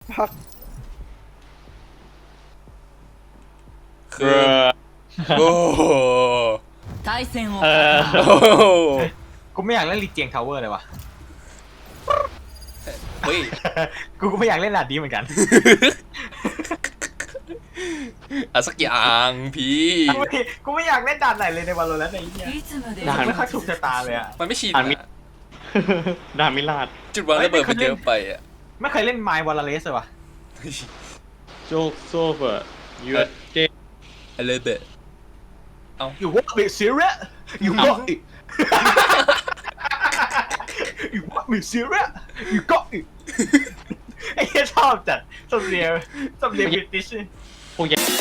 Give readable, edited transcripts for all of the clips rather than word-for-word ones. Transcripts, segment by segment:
พักคือโอ้โห対戦をโอ้โหกูไม่อยากเล่นลีเจียงทาวเวอร์เลยวะเฮ้ยกูก็ไม่อยากเล่นด่านนี้เหมือนกันอะสักอย่างพี่กูไม่อยากเล่นด่านไหนเลยในวันโลแล้วในนี้いつまでด่านไม่ค่อยถูกชะตาเลยอะมันไม่ชินอ่านมิอะดามิลาดจุดวางระเบิดมันเยอะไปอ่ะไม่เคยเล่นไมล์วอลเลสเลยวะโจกโซเฟอร์ยูเจอะไรเบะ You want me serious You got it You want me serious You got it ไอ้เหี้ยชอบจัดสำเนียงบริติชพวกยักษ์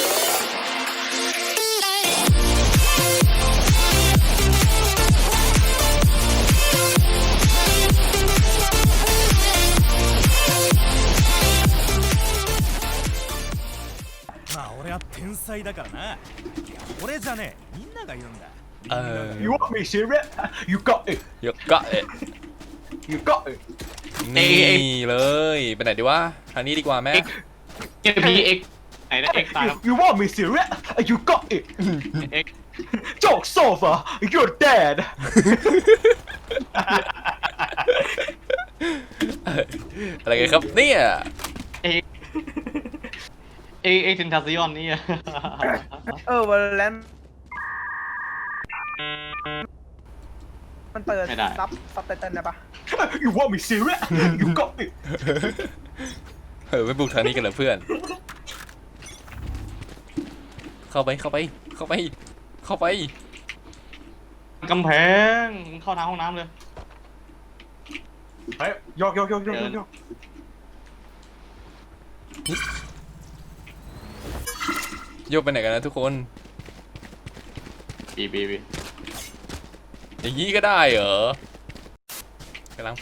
まあ俺は天才だからな俺じゃねえみんなが言うんだเออ You want me serious You got it ยกกะเอะ You got it นี่เลยไปไหนดีวะทางนี้ดีกว่าแม่เอ็กพีเอ็กไหนนะเอ็กตาย You want me serious You got it เอ็ก Joke sofa You're dead อะไรกันครับเนี่ยเอ็กเซนทาซิออนนี่วันแลนมันเปิดซับไตเติ้ลได้ปะ You want me serious You got it ไปบุกทางนี้กันเหรอเพื่อน เข้าไปกำแพงเข้าทางห้องน้ำเลยเฮ้ยยกโยกไปไหนกันนะทุกคนบีอย่างนี้ก็ได้เหรอกำลังไป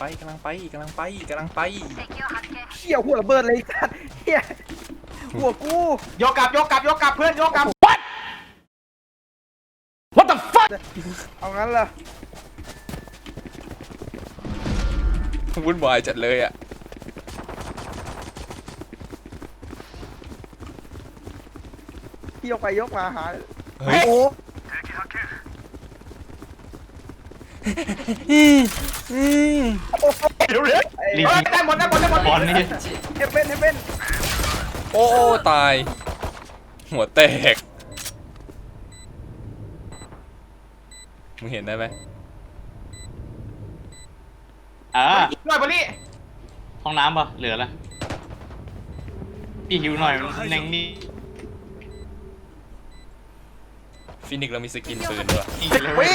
เชี่ยวหัวระเบิดเลยสัตว์เฮียหัวกูยกกลับเพื่อนยกกลับเอางั้นเหรอวุ่นวายจัดเลยอ่ะพี่ยกไปยกมาหาเฮ้ยโอ้เดี๋ยวได้หมดบอลนี่เฮเบนโอ้ตาย หัวแตก มึงเห็นได้ไหมหน่อยบอลลี่ห้องน้ำป่ะเหลือละพี่หิวหน่อยแน่งนี่ฟินิกซ์เรามีสกินปืนด้วยอีกเลย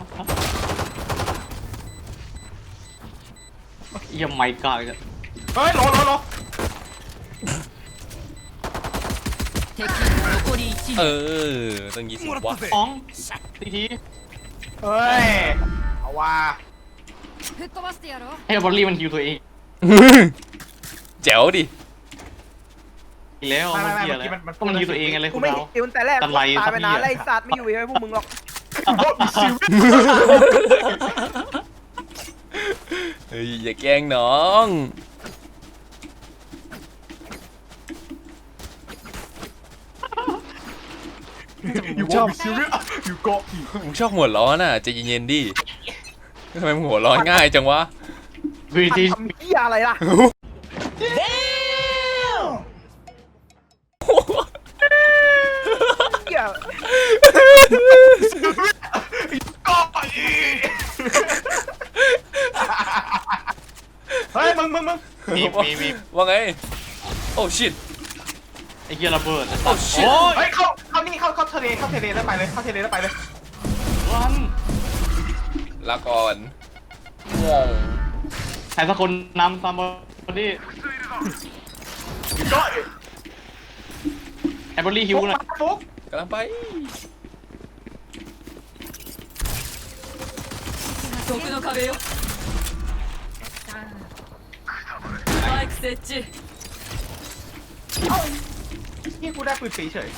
ยังไม่กล้าเลยเฮ้ยรอ敵残り1 เอ名อต้อง20วะอ๋องทีเฮ้ยเอาว่า吹っ飛ばしてやろうให้บอลลี่มันฮิวตัวเองแจ๋วดิอีกแล้วมันเหี้ยอะไรก็มันฮิวตัวเองไงเลยกูคุณไม่เราเห็นแต่แรกตะไลตายไปนานครับไล่สัตว์ไม่อยู่ให้พวกมึงหรอกเฮ้ยอย่าแกล้งน้อง You want me serious You got it มึงชอบหัวร้อนอ่ะใจเย็นๆดิทำไมมึงหัวร้อนง่ายจังวะวีทีทำเหี้ยอะไรล่ะเหี้ยเฮ้ยมึงมีว่าไง โอ้ชิตไอ้เหี้ยระเบิดโอ้ชิตเฮ้ยเข้านี่เข้าทะเลแล้วไปเลยวันลาก่อนงงใครสักคนนำตามบอลลี่ You got it ไอ้บอลลี่ฮิวหน่อยฟุ๊กกำลังไป毒の壁よスパイク設置นี่กูได้ปืนสีเฉย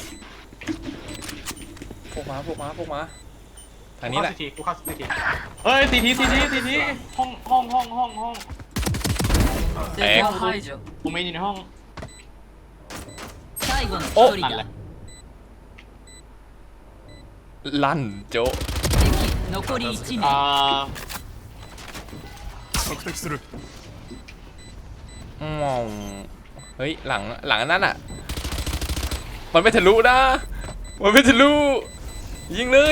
พวกมาทางนี้แหละกูเข้าสิทีเฮ้ยทีห้อง敵を排除โอเมนอยู่ในห้อง最後の一人นั่นแหละだลั่นโจ๊ะ敵残り1名索敵するมองเฮ้ยหลังอันนั้นอ่ะ มันไม่ทะลุนะมันไม่ทะลุยิงเลย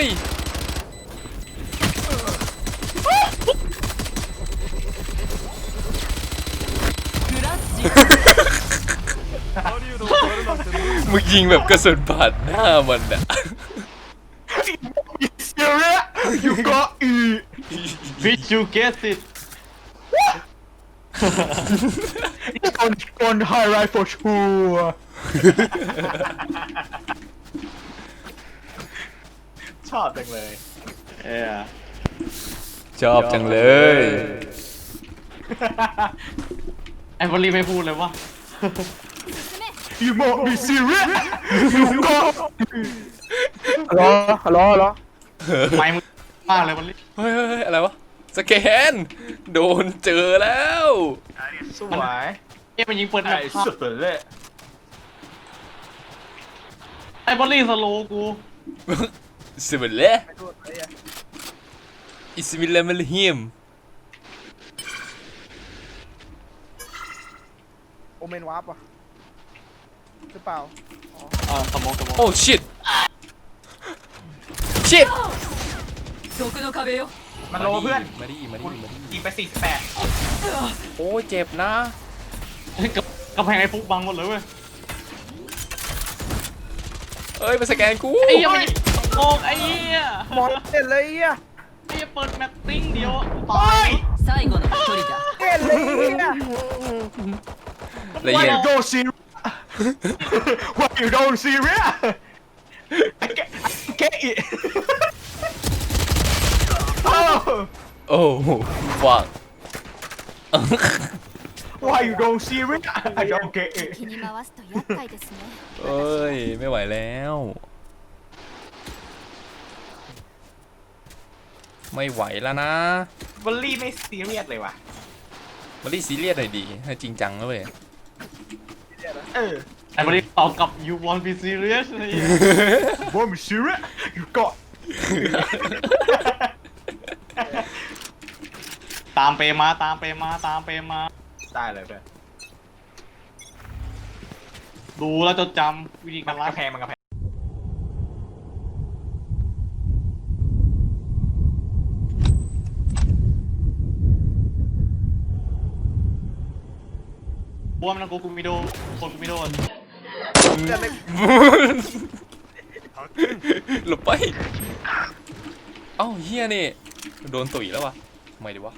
クラッシュ狩人を割るなんて無理มึงยิงแบบกระสุนผ่านหน้ามันอ่ะ serious you got it Did you get it on highlight for sure ชอบจังเลยเออชอบจังเลยไอ้บอลลี่ไม่พูดเลยว่า You must be serious you got ฮัลโหลไม่มึงมากเลยบอลลี่เฮ้ยอะไรวะสแกนโดนเจอแล้วสวยเอ้ยมันยิงเปิดแบไอ้บสุดเลยไอ้บอลลี่สโลว์กูสิบเล่ไปดูไอ้เหี้ยอิสมิลลามิลฮิมโอเมนวาร์ปว่ะหรือเปล่าสมองโอ้ชิตชิต毒の壁よมันโลเพื่อนมาดิยิงไป48 โอ้เจ็บนะกำแพงไอ้ฟุกบังหมดเลยเว้ยเอ้ยมาสแกนกูไอ้เหี้ยมันยิงโกงไอ้เหี้ยมอนเด่นเลยไอ้เหี้ยไอ้เหี้ยเปิดแมตติ้งเดียวตาย最後の一人だเด่นเลยไอ้เหี้ยละเอียด Why you don't serious Why you don't serious I get it โอ้ฟัง Why you don't serious I don't get it 気に回すと厄介ですねเอ้ยไม่ไหวแล้ว ไม่ไหวแล้วนะบอลลี่ไม่ซีเรียสเลยว่ะมาดิซีเรียสหน่อยดีให้จริงจังแล้วเว้ยเออไอ้บอลลี่ตอบกลับ you want be serious ไอ้เหี้ย Why you serious You got ตามเปมาได้เลยเพื่อนดูแล้วจดจำวิธีการกรัระกแพงมันกระแพงบัวมันกูมิโดคนกูมิโดเด่นเลยหลบไป เอ้าเฮียนี่โดนตุ๋ยแล้ววะทำไมดีวะ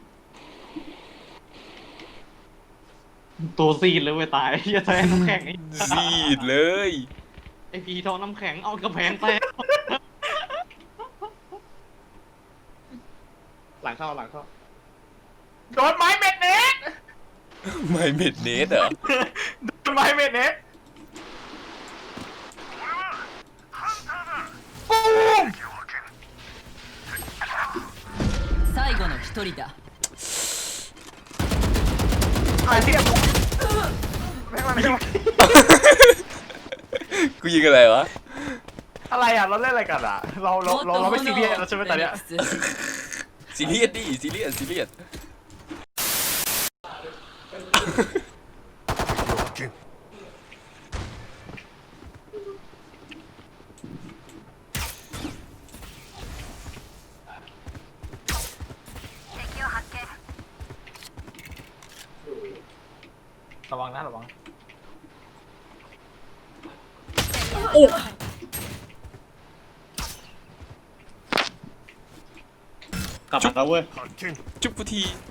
ตัวซีดเลยเว้ยตายเหี้ยแทงน้ำแข็งไอ้ซีดเลยไอ้พีทองน้ำแข็งเอากระแพงแตกหลังเข้าโดนไม้เม็ดเน็ตไม่เม็ดเนสเหรอโดนไม้เม็ดเน็ตปูม最後の一人だไอ้เหี้ยแม่งมันไม่ไหวกูยิงอะไรวะอะไรอ่ะเราเล่นอะไรกันอ่ะเราไม่ซีเรียสแล้วใช่ไหมตอนเนี้ยซีเรียสดิซีเรียสระวังนะระวังโอ้กลับมาแล้วเว้ย発見จุ๊บกูที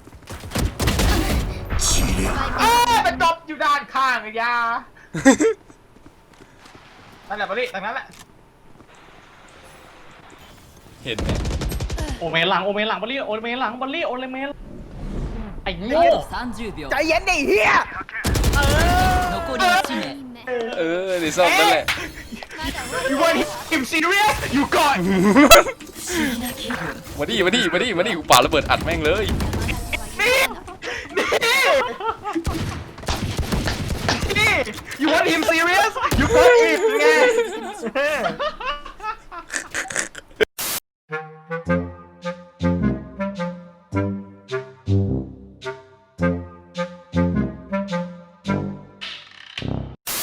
มันจบอยู่ด้านข้างไอ้ยานั่นแหละบอลลี่ตรงนั้นแหละเห็นไหมโอเมนหลังบอลลี่โอเมนหลังไอ้โง่ 30秒ใจเย็นดิเฮีย残り1名เออในซ่อมนั่นแหละ You want him serious You got มาดิกูป่าระเบิดอัดแม่งเลยนี่ You want him serious? You got it ไง